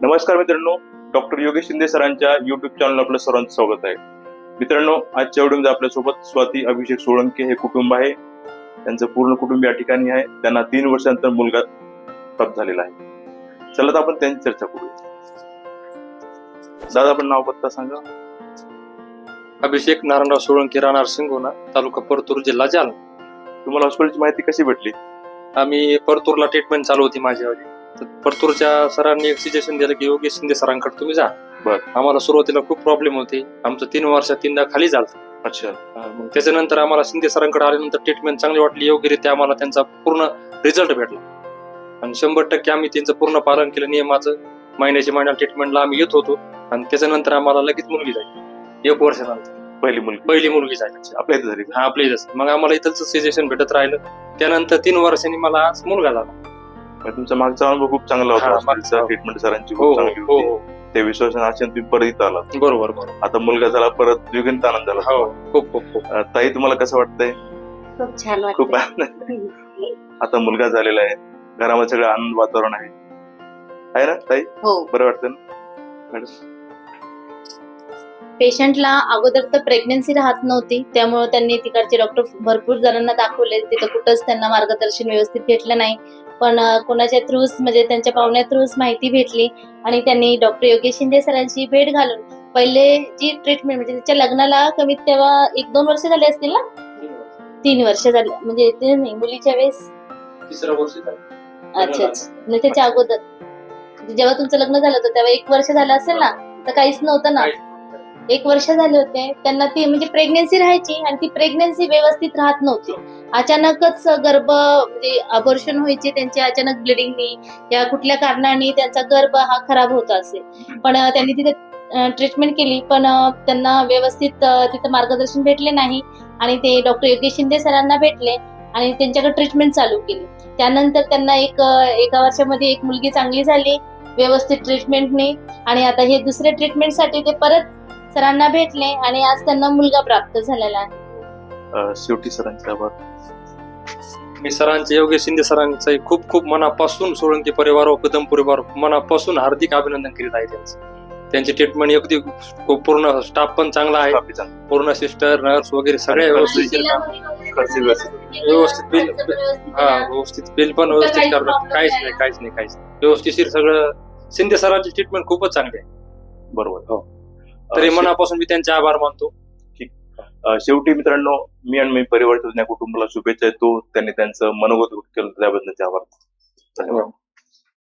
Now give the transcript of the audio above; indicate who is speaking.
Speaker 1: नमस्कार मित्रांनो, डॉक्टर योगेश शिंदे सरांच्या युट्यूब चॅनल आपलं सर्वांचं स्वागत आहे. मित्रांनो, आजच्या व्हिडिओमध्ये आपल्यासोबत स्वाती अभिषेक सोळंके हे कुटुंब आहे. त्यांचं पूर्ण कुटुंब या ठिकाणी आहे. त्यांना 3 वर्षानंतर मुलगा प्राप्त झालेला आहे. चला तर आपण त्यांची चर्चा करूया. दादा, आपण नाव पत्ता सांगा.
Speaker 2: अभिषेक नारायणराव सोळंके, राहणार सिंगोना, तालुका परतूर, जिल्हा जालना.
Speaker 1: तुम्हाला हॉस्पिटलची माहिती कशी भेटली?
Speaker 2: आम्ही परतूरला ट्रीटमेंट चालू होती माझ्यावाली. तर परतूरच्या सरांनी एक सजेशन दिलं की योगेश शिंदे सरांकडे तुम्ही जा. आम्हाला सुरुवातीला खूप प्रॉब्लेम होते. आमचं 3 वर्षात 3दा खाली झालं.
Speaker 1: अच्छा.
Speaker 2: मग त्याच्यानंतर आम्हाला शिंदे सरांकडे आल्यानंतर ट्रीटमेंट चांगली वाटली, योग्यरित्या आम्हाला त्यांचा पूर्ण रिझल्ट भेटला आणि 100% आम्ही त्यांचं पूर्ण पालन केलं नियमाचं. महिन्याला ट्रीटमेंटला आम्ही येत होतो आणि त्याच्यानंतर आम्हाला लगेच मुलगी झाली. 1 वर्षानंतर पहिली मुलगी झाली.
Speaker 1: आपल्या इथे झाली?
Speaker 2: हा, आपल्या इथंच. मग आम्हाला इथंच सजेशन भेटत राहिलं. त्यानंतर 3 वर्षांनी मला आज मुलगा झाला.
Speaker 1: तुमचा मागचा अनुभव खूप चांगला होता. ट्रीटमेंट सरांची खूप चांगली होती. त्या विश्वासाने आशेने तुम्ही परत इथं आला.
Speaker 2: बरोबर.
Speaker 1: आता मुलगा झाला, परत द्विगुणित आनंद झाला.
Speaker 2: खूप.
Speaker 1: ताई, तुम्हाला कसं वाटतंय?
Speaker 3: खूप छान
Speaker 1: खूप
Speaker 3: वाटतं.
Speaker 1: आता मुलगा झालेला आहे, घरामध्ये सगळं आनंद वातावरण आहे ना ताई?
Speaker 3: हो.
Speaker 1: बरं वाटतं ना मॅडम?
Speaker 3: पेशंटला अगोदर तर प्रेग्नन्सी राहत नव्हती, त्यामुळे त्यांनी तिकडचे डॉक्टर भरपूर जणांना दाखवले. तिथं कुठंच त्यांना मार्गदर्शन व्यवस्थित भेटलं नाही. पण कोणाच्या थ्रूज, म्हणजे त्यांच्या पाहुण्या थ्रूज माहिती भेटली आणि त्यांनी डॉक्टर योगेश शिंदे सरांची भेट घालून पहिले जी ट्रीटमेंट, म्हणजे तिच्या लग्नाला कमीत तेव्हा 1-2 वर्ष झाले असतील ना? 3 वर्ष झाले. म्हणजे ते नाही, मुलीच्या वेळेस
Speaker 2: 3रं वर्ष झालं.
Speaker 3: अच्छा. म्हणजे त्याच्या अगोदर जेव्हा तुमचं लग्न झालं होतं तेव्हा 1 वर्ष झालं असेल ना? तर काहीच नव्हतं ना. 1 वर्ष झाले होते त्यांना. ती म्हणजे प्रेग्नन्सी राहायची आणि ती प्रेग्नन्सी व्यवस्थित राहत नव्हती. अचानकच गर्भ, म्हणजे अबॉर्शन व्हायचे त्यांचे, अचानक ब्लिडिंगनी या कुठल्या कारणाने त्यांचा गर्भ हा खराब होत असे. पण त्यांनी तिथे ट्रीटमेंट केली, पण त्यांना व्यवस्थित तिथं मार्गदर्शन भेटले नाही आणि ते डॉक्टर योगेश शिंदे सरांना भेटले आणि त्यांच्याकडे ट्रीटमेंट चालू केली. त्यानंतर त्यांना 1 वर्षामध्ये 1 मुलगी चांगली झाली व्यवस्थित ट्रीटमेंटने. आणि आता हे दुसऱ्या ट्रीटमेंटसाठी ते परत सरांना भेटले आणि आज त्यांना मुलगा प्राप्त झालेला आहे.
Speaker 1: शेवटी सरांचे आभार.
Speaker 2: मी सरांचे, योगेश शिंदे सरांचे खूप मनापासून, सोळंके परिवार व कदम परिवार मनापासून हार्दिक अभिनंदन करीत आहे त्यांचं. त्यांची ट्रीटमेंट अगदी पूर्ण स्टाफ पण चांगला आहे. पूर्ण सिस्टर, नर्स वगैरे सगळे व्यवस्थित बिल पण व्यवस्थित करतात. काहीच नाही. व्यवस्थितशीर सगळं. शिंदे सरांची ट्रीटमेंट खूपच चांगली आहे.
Speaker 1: बरोबर. हो.
Speaker 2: तरी मनापासून मी त्यांचे आभार मानतो.
Speaker 1: शेवटी मित्रांनो, मी आणि मी परिवार कुटुंबाला शुभेच्छा देतो. त्यांनी त्यांचं मनोगत केलं त्याबद्दलचे आभार. धन्यवाद.